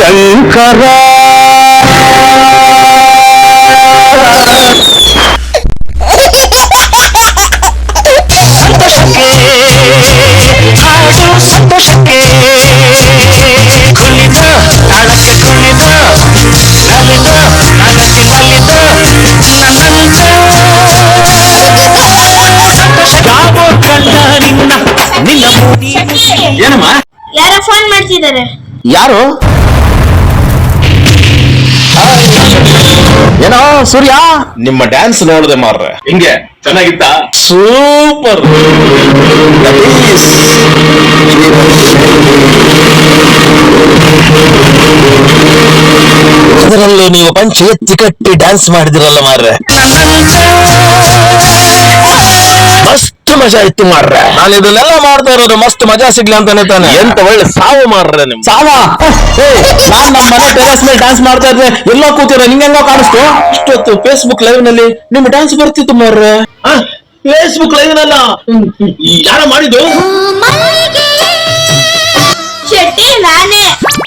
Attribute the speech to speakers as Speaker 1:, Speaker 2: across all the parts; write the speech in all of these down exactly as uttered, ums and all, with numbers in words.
Speaker 1: ಶಂಕರ ಸಂತೋಷಕ್ಕೆ ಹಾಡು ಸಂತೋಷಕ್ಕೆ ಕುಣಿದ ತಾಳಕ್ಕೆ ಕುಣಿದ ನಲಿದ ತಾಳಕ್ಕೆ ನಲಿದ ನನ್ನಂತ ಯಾವ ಕಂಡ ನಿನ್ನ ನಿನ್ನ ಮೂಡಿ ಏನಮ್ಮ
Speaker 2: ಯಾರೋ ಫೋನ್ ಮಾಡ್ತಿದ್ದಾರೆ.
Speaker 1: ಯಾರು? ಏನೋ ಸೂರ್ಯ,
Speaker 3: ನಿಮ್ಮ ಡ್ಯಾನ್ಸ್ ನೋಡಿದೆ ಮಾರ್ರೆ, ಹಿಂಗೆ ಚೆನ್ನಾಗಿತ್ತ?
Speaker 1: ಸೂಪರ್. ಅದರಲ್ಲೂ ನೀವು ಪಂಚ ಎತ್ತಿ ಕಟ್ಟಿ ಡ್ಯಾನ್ಸ್ ಮಾಡಿದಿರಲ್ಲ ಮಾರ್ರೆ, ಮಸ್ತ್ ಮಜಾ ಇತ್ತು ಮಾರ್ರೆ. ನಾನು ಇದನ್ನೆಲ್ಲ ಮಾಡ್ತಾ ಇರೋದು ಮಸ್ತ್ ಮಜಾ ಸಿಗ್ಲಿ ಅಂತಾನೆ ತಾನೆ.
Speaker 3: ಎಂತ ಒಳ್ಳೆ ಸಾವು ಮಾರ್ರೆ ನಿಮ್
Speaker 1: ಸಾವ. ನಾನ್ ನಮ್ಮ ಮನೆ ಟೆರೆಸ್ ಮೇಲೆ ಡ್ಯಾನ್ಸ್ ಮಾಡ್ತಾ ಇದ್ದೆ, ಎಲ್ಲೋ ಕೂತಿರ ನಿಂಗೆಂಗೋ ಕಾಣಿಸ್ತು. ಇಷ್ಟೊತ್ತು ಫೇಸ್ಬುಕ್ ಲೈವ್ ನಲ್ಲಿ ನಿಮ್ ಡ್ಯಾನ್ಸ್ ಬರ್ತಿತ್ತು ಮಾರ್ರೆ.
Speaker 3: ಫೇಸ್ಬುಕ್ ಲೈವ್ ನಲ್ಲ ಯಾರ ಮಾಡಿದ್ದು?
Speaker 2: ಶೆಟ್ಟಿ ನಾನೇ.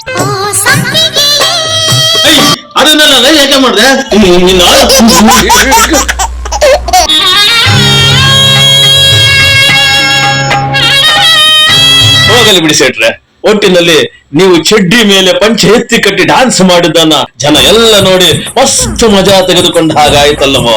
Speaker 3: ಅದನ್ನೆಲ್ಲ ಲೈವ್ ಯಾಕೆ ಮಾಡಿದೆ? ಹೋಗಲಿ ಬಿಡಿ ಸೇಟ್ರೆ, ಒಟ್ಟಿನಲ್ಲಿ ನೀವು ಚಡ್ಡಿ ಮೇಲೆ ಪಂಚೆ ಎತ್ತಿ ಕಟ್ಟಿ ಡ್ಯಾನ್ಸ್ ಮಾಡಿದ್ದನ್ನ ಜನ ಎಲ್ಲ ನೋಡಿ ಮಸ್ತ್ ಮಜಾ ತೆಗೆದುಕೊಂಡ ಹಾಗಾಯ್ತಲ್ಲವೋ.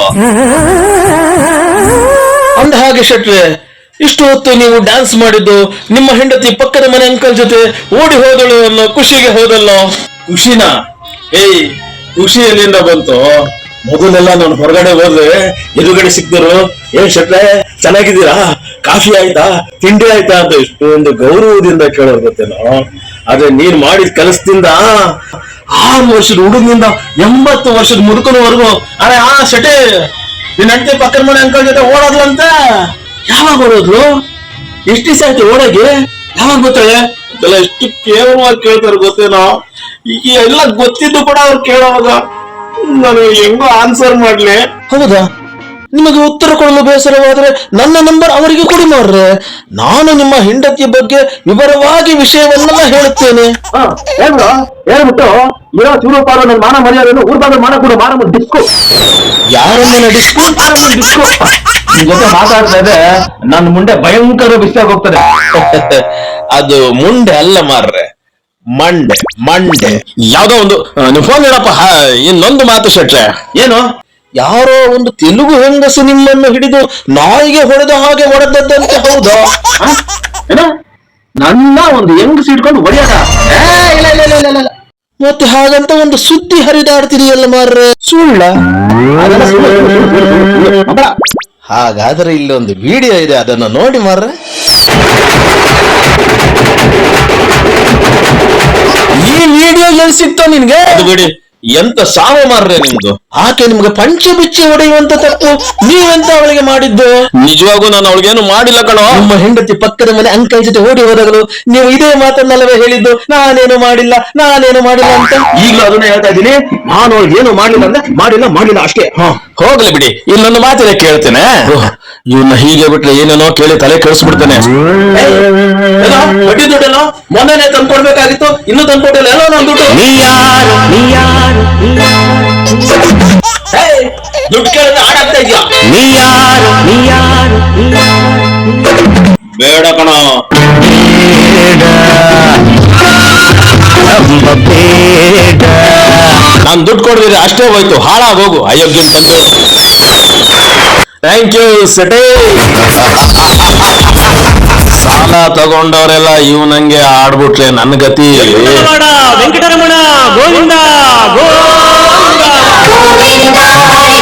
Speaker 1: ಅಂದ ಹಾಗೆ ಶೆಟ್ರೆ, ಇಷ್ಟು ಹೊತ್ತು ನೀವು ಡ್ಯಾನ್ಸ್ ಮಾಡಿದ್ದು ನಿಮ್ಮ ಹೆಂಡತಿ ಪಕ್ಕದ ಮನೆ ಅಂಕಲ್ ಜೊತೆ ಓಡಿ ಹೋದಳು ಅನ್ನೋ ಖುಷಿಗೆ ಹೋದಲ್ಲೋ.
Speaker 3: ಖುಷಿನ? ಏಯ್, ಖುಷಿ ಎಲ್ಲಿಂದ ಬಂತು? ಮೊದಲೆಲ್ಲ ನಾನು ಹೊರಗಡೆ ಹೋದ್ರೆ ಎದುರುಗಡೆ ಸಿಕ್ತರು, ಏನ್ ಶೆಟ್ರೆ ಚೆನ್ನಾಗಿದ್ದೀರಾ, ಕಾಫಿ ಆಯ್ತಾ, ತಿಂಡಿ ಆಯ್ತಾ ಅಂತ ಇಷ್ಟೊಂದು ಗೌರವದಿಂದ ಕೇಳೋರು ಗೊತ್ತೇನೋ. ಆದ್ರೆ ನೀನ್ ಮಾಡಿದ ಕೆಲಸದಿಂದ ಆರು ವರ್ಷದ ಹುಡುಗನಿಂದ ಎಂಬತ್ತು ವರ್ಷದ ಮುದುಕನವರೆಗೂ ಅರೆ ಆ ಶೆಟ್ಟಿ ನಿನ್ ಹೆಂಡತಿ ಪಕ್ಕದ ಮನೆ ಅಂಕಲ್ ಜೊತೆ ಓಡೋದ್ಲಂತ. ಯಾವಾಗ ಓಡೋದ್ಲು? ಎಷ್ಟು ದಿವಸ ಆಯ್ತು ಓಡೋಗಿ? ಯಾವಾಗ ಗೊತ್ತಾಳೆ? ಇದೆಲ್ಲ ಎಷ್ಟು ಕೇವಲವಾಗಿ ಕೇಳ್ತಾರೆ ಗೊತ್ತೇನೋ. ಈಗ ಎಲ್ಲ ಗೊತ್ತಿದ್ದು ಕೂಡ ಅವ್ರು ಕೇಳೋವಾಗ ನಾನು ಹೆಂಗೋ ಆನ್ಸರ್ ಮಾಡ್ಲಿ?
Speaker 1: ಹೌದಾ? ನಿಮಗೆ ಉತ್ತರ ಕೊಡಲು ಬೇಸರವಾದ್ರೆ ನನ್ನ ನಂಬರ್ ಅವರಿಗೆ ಕೊಡಿ ಮಾರ್ರೆ. ನಾನು ನಿಮ್ಮ ಹೆಂಡತಿಯ ಬಗ್ಗೆ ವಿವರವಾಗಿ ವಿಷಯವನ್ನೆಲ್ಲ ಹೇಳುತ್ತೇನೆ.
Speaker 3: ಹೇಳ್ಬಿಟ್ಟು ಇರೋ ಚೂರು ಪಾರು ನನ್ನ ಮಾನ ಮರ್ಯಾದೆಯನ್ನು ಊರ್ ಬಂದ್ರೆ ಮಾನ ಕೂಡ ಮಾನ ಡಿಸ್ಕೋ.
Speaker 1: ಯಾರನ್ನ ಡಿಸ್ಕೋ
Speaker 3: ಡಿಸ್ಕೋ ನಿನ್ ಜೊತೆ ಮಾತಾಡ್ತಾ ಇದೆ, ನನ್ನ ಮುಂದೆ ಭಯಂಕರ ಬಿಸಿಯಾಗಿ ಹೋಗ್ತದೆ.
Speaker 1: ಅದು ಮುಂಡೆ ಅಲ್ಲ ಮಾರ್ರೆ, ಮಂಡೆ ಮಂಡೆ.
Speaker 3: ಯಾವ್ದೋ ಒಂದು ನೀವು ಫೋನ್ ಹೇಳಪ್ಪ. ಇನ್ನೊಂದು ಮಾತು ಶೆಟ್ರೆ.
Speaker 1: ಏನು? ಯಾರೋ ಒಂದು ತೆಲುಗು ಹೆಂಗಸು ನಿಮ್ಮನ್ನು ಹಿಡಿದು ನಾಯಿಗೆ ಹೊಡೆದ ಹಾಗೆ ಹೊಡೆದದ್ದಂತೆ. ಹೌದಾ?
Speaker 3: ಏನೋ ನನ್ನ ಒಂದು ಹೆಂಗಸು ಇಟ್ಕೊಂಡು ಹೊಡೆಯದ? ಇಲ್ಲ ಇಲ್ಲ ಇಲ್ಲ ಇಲ್ಲ.
Speaker 1: ಮತ್ತೆ ಹಾಗಂತ ಒಂದು ಸುದ್ದಿ ಹರಿದಾಡ್ತಿದೆಯಲ್ಲ ಮಾರ್ರೆ, ಸುಳ್ಳ? ಹಾಗಾದ್ರೆ ಇಲ್ಲೊಂದು ವಿಡಿಯೋ ಇದೆ, ಅದನ್ನು ನೋಡಿ ಮಾರ್ರೆ. ಈ ವಿಡಿಯೋ ಎಲ್ಲಿ ಸಿಕ್ತೋ ನಿನ್ಗೆ?
Speaker 3: ಅದು ಬಿಡಿ, ಎಂತ ಸಾವು ಮಾರ್ರೆ ನಿಮ್ದು.
Speaker 1: ಆಕೆ ನಿಮ್ಗೆ ಪಂಚೆ ಬಿಚ್ಚಿ ಹೊಡೆಯುವಂತ ತಪ್ಪು ನೀವೆಂತ ಅವಳಿಗೆ ಮಾಡಿದ್ದು?
Speaker 3: ನಿಜವಾಗೂ ನಾನು ಅವಳಿಗೇನು ಮಾಡಿಲ್ಲ ಕಣೋ.
Speaker 1: ನಿಮ್ಮ ಹೆಂಡತಿ ಪಕ್ಕದ ಮನೆ ಅಂಕಲ್ ಜೊತೆ ಓಡಿ ಹೋದಾಗಲು ನೀವು ಇದೇ ಮಾತನ್ನಲ್ಲವೇ ಹೇಳಿದ್ದು, ನಾನೇನು ಮಾಡಿಲ್ಲ ನಾನೇನು ಮಾಡಿಲ್ಲ ಅಂತ?
Speaker 3: ಈಗಲೂ ಅದನ್ನ ಹೇಳ್ತಾ ಇದ್ದೀನಿ, ನಾನು ಅವಳಿಗೆ ಏನು ಮಾಡಿಲ್ಲ ಅಂದ್ರೆ ಮಾಡಿಲ್ಲ ಮಾಡಿಲ್ಲ ಅಷ್ಟೇ. ಹ ಹೋಗ್ಲಿ ಬಿಡಿ, ಇನ್ನೊಂದು ಮಾತಿನ ಕೇಳ್ತೇನೆ. ಇವನ್ನ ಹೀಗೆ ಬಿಟ್ರೆ ಏನೇನೋ ಕೇಳಿ ತಲೆ ಕೆಡಿಸ್ಬಿಡ್ತೇನೆ. ಬಡ್ಡಿ ದುಡ್ಡೇನೋ ಮೊನ್ನೆನೆ ತಂದ್ಕೊಡ್ಬೇಕಾಗಿತ್ತು, ಇನ್ನೂ ತಂದ್ಕೊಟ್ಟಿಲ್ಲ. ಎಲ್ಲೋ ನಾನು ದುಡ್ಡು ದುಡ್ಡು ಕೇಳಿದ್ರೆ ಆಡಾಗ್ತಾ ಇದೆಯಾ? ಬೇಡ ಕಣ, ನಾನು ದುಡ್ಡು ಕೊಡ್ದಿದ್ರೆ ಅಷ್ಟೇ ಹೋಯ್ತು, ಹಾಳಾಗೋಗು ಅಯೋಗ್ಯ ತಂದು. ಥ್ಯಾಂಕ್ ಯು ಸೆಟೇ. ಸಾಲ ತಗೊಂಡವರೆಲ್ಲ ಇವ್ ನಂಗೆ ಆಡ್ಬಿಟ್ರೆ ನನ್ನ ಗತಿ.
Speaker 1: ವೆಂಕಟರಮಣ ಗೋವಿಂದ ಗೋವಿಂದ.